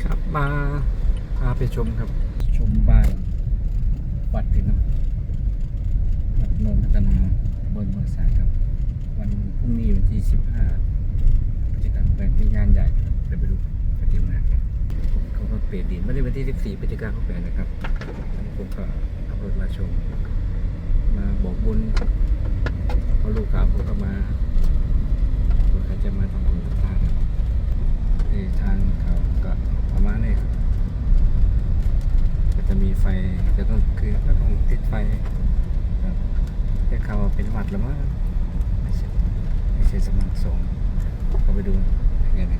ครับมาพาไปชมครับชมบ้านวัดพี่น้องวัดโนนพัฒนาบนเมืองสายครับวันพรุ่งนี้วันที่15พฤศจิกายนเป็นงานใหญ่เดี๋ยวไปดูปฏิมากรเขาก็เปลี่ยนดินไม่ได้วันที่14พฤศจิกายนเขาแปลนะครับผมก็ขับรถมาชมมาบอกบุญพอลูกสาวผมก็มาคนใครจะมาทำบุญต่างๆที่ทางเขาก็ประมาณนี้ครับก็จะมีไฟจะต้องคือก็ต้องติดไฟครับแต่เขาเป็นวัดแล้วมั้งไม่ใช่สำนักสงฆ์ก็ไปดูยังไงนะ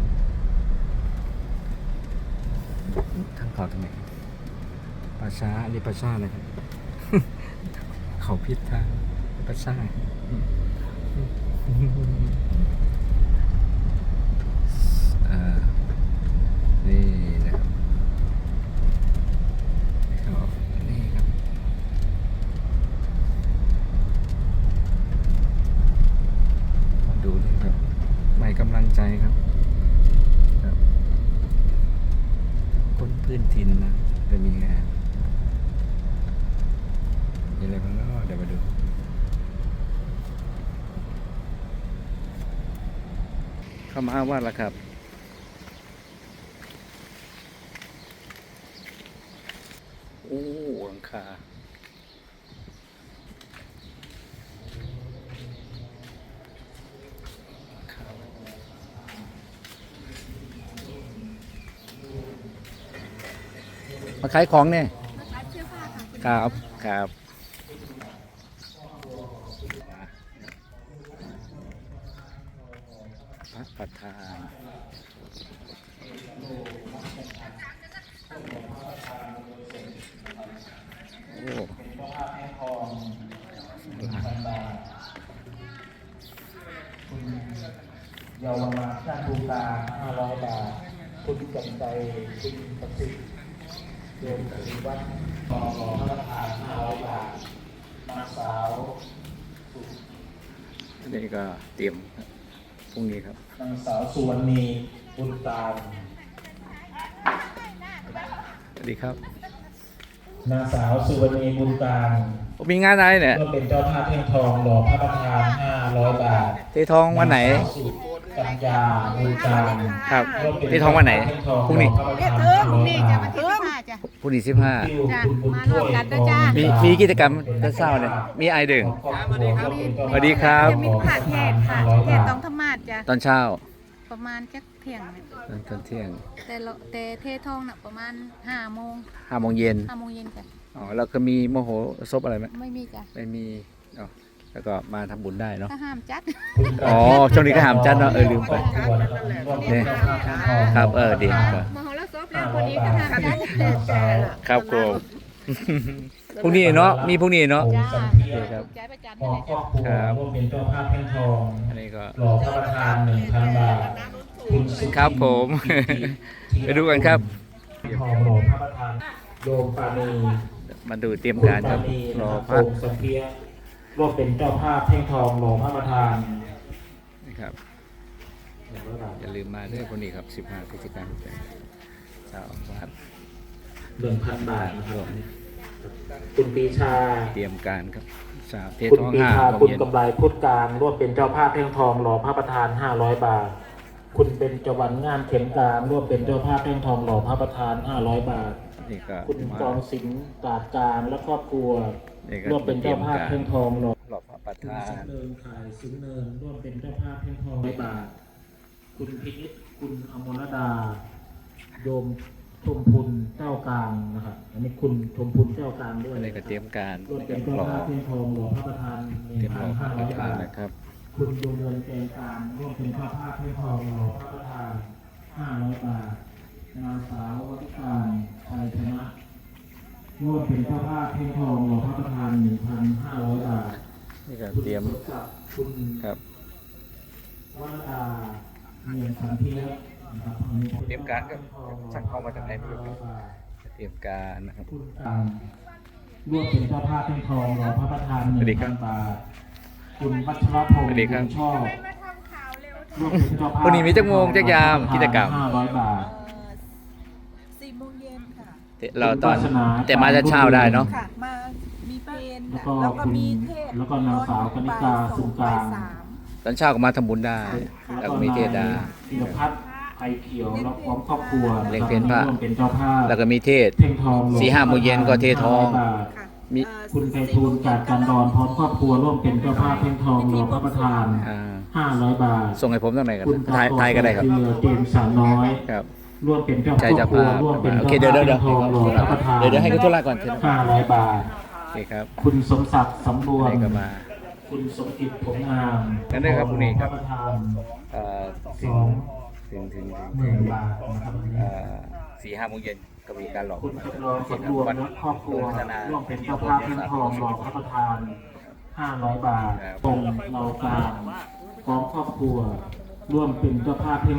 ทางเขาทางไหนป่าช้าอันนี้ป่าช้านะครับ เขาพิษทางป่าช้านี่นะครับนี่ครับมาดูนี่ครับใหม่กำลังใจครับคนพื้นถิ่นนะจะมีงานมีอะไรบ้างเนาะเดี๋ยวมาดูเข้ามาว่าละครับโอ้หลังคามาขายของเนี่ยมาขายเสื้อผ้าค่ะครับครับพระประธานโอ้เยาวราชาบูตา500 บาทคุณจำใจคุณประสิทธิ์โยมปฏิวัติต่อพระประธาน500 บาทนางสาวนี่ก็เตรียมพรุ่งนี้ครับนางสาวสุวรรณีบุญตามสวัสดีครับนางสาวสุวรรณีบุญตามมีงานอะไรเนี่ยก็เป็นเจ้าภาพเทียนทองหล่อพระประธาน500 บาทเททองวันไหนกัญญาบุญตามครับเททองวันไหนพรุ่งนี้พรุ่งนี้จะมาที่15จ้ะพรุ่งนี้15 จ้ะมารวมกันด้วยจ้ามีกิจกรรมจะเศร้าเนี่ยมีไอดึงสวัสดีครับจะมีผัดเทศค่ะเทศต้องธรรมาสจ้ะตอนเช้าประมาณแค่เที่ยงตอนเที่ยงแต่เททองน่ะประมาณ5 โมง 5 โมงเย็น 5 โมงเย็นจ้ะอ๋อแล้วก็มีโมโหซบอะไรไหมไม่มีจ้ะไม่มีอ๋อแล้วก็มาทำบุญได้เนาะถ้าห้ามจัดอ๋อช่วงนี้ก็ห้ามจัดเนาะลืมไปเนี่ยครับดีครับมโหรสพแล้วคนนี้ก็ห้ามจัดครับผมพรุ่งนี้เนาะมีพรุ่งนี้เนาะครับใจประจันครับร่วมเป็นเจ้าภาพเทียนทองอันนี้ก็หล่อพระประธาน 1,000 บาทครับผมไปดูกันครับทองหล่อพระประธานโยมปานีมาดูเตรียมการครับรอพระสังเกียร่วมเป็นเจ้าภาพเทียนทองหล่อพระประธานนะครับอย่าลืมมาด้วยคนนี้ครับ15พฤศจิกายนชาวบ้าน 1,000 บาทนะครับคุณปีชาเตรียมการครับคุณปีชาคุณกำไรพุทธการร่วมเป็นเจ้าภาพเทียนทองหล่อพระประธาน500 บาทคุณเป็นจวันงามเข็มกลางร่วมเป็นเจ้าภาพเทียนทองหล่อพระประธาน500 บาทคุณกองสิงห์ตาดกลางและครอบครัวร่วมเป็นเจ้าภาพเทียนทองหล่อพระประธานคุณเนินขายสิงห์เนินร่วมเป็นเจ้าภาพเทียนทอง100 บาทคุณพินิจคุณอมรดาโยมชมพูนเจ้ากลางนะครับอันนี้คุณชมพูนเจ้ากลางด้วยอะไรก็เตรียมการร่วมเป็นเจ้าภาพเทียนทองหล่อพระประธาน 1,500 บาทนะครับคุณดวงเงินแกงกลางร่วมเป็นเจ้าภาพเทียนทองหล่อพระประธาน500 บาทนางสาววัฒการชัยชนะร่วมเป็นเจ้าภาพเทียนทองหล่อพระประธาน 1,500 บาทนี่ก็เตรียมคุณครับวรดาเมียนสันเทียเตรียมการก็ช่างเข้ามาจากไหนไม่รู้เตรียมการนะครับร่วมเป็นเจ้าภาพเทียนทองหล่อพระประธาน 1,000 บาทคุณวัชรพงศ์ชอบพรุ่งนี้มีจักโมงจักยามกิจกรรม 500 บาทเราตอนคุณวาสนาแต่มาจะเช้าได้เนาะค่ะมามีเพลงแล้วก็แล้วก็มีเทศแล้วก็นางสาวกนิกาสุนกลางบ่ยสามตอนเช้าก็มาทำบุญได้ แล้วก็มีเทศดาธีรพัฒน์ไอเขียวแล้วพร้อมครอบครัวเลี้ยงเพลพระร่วมเป็นเจ้าภาพแล้วก็มีเทศเพ่งทองหลวง 4-5 โมงเย็นก็เททอง 500 บาทค่ะมีคุณไพฑูรย์จากกันดอนพร้อมครอบครัวร่วมเป็นเจ้าภาพเพ่งทองรอพระประธาน 500 บาทส่งให้ผมตั้งไหนกันคุณไทยก็ได้ครับเรือเจมส์สาวน้อยครับร่วมเป็นเจ้าใจจะครอบครัวพาร่วมเป็นโอเคเจ้าเดี๋ยวภาพเพ่งทองรอพระประธานเดี๋ยวให้คุณธุระก่อน 500 บาทโอเคครับคุณสมศักดิ์สำรวมให้ก็มาคุณสมจิตผงงามงั้นได้ครับพรุ่งนี้ครับพะประธานเอ่อสองถึง 10,000 บาทนะครับวันนี้ 4-5 โมงเย็นก็มีการหลอกคุณจำลองสำรวมและครอบครัวร่วมเป็นเจ้าภาพเพ่งทองรอพระประธาน 500 บาทตรงเรากลางพร้อมครอบครัว ร่วมเป็นเจ้าภาพเพ่ง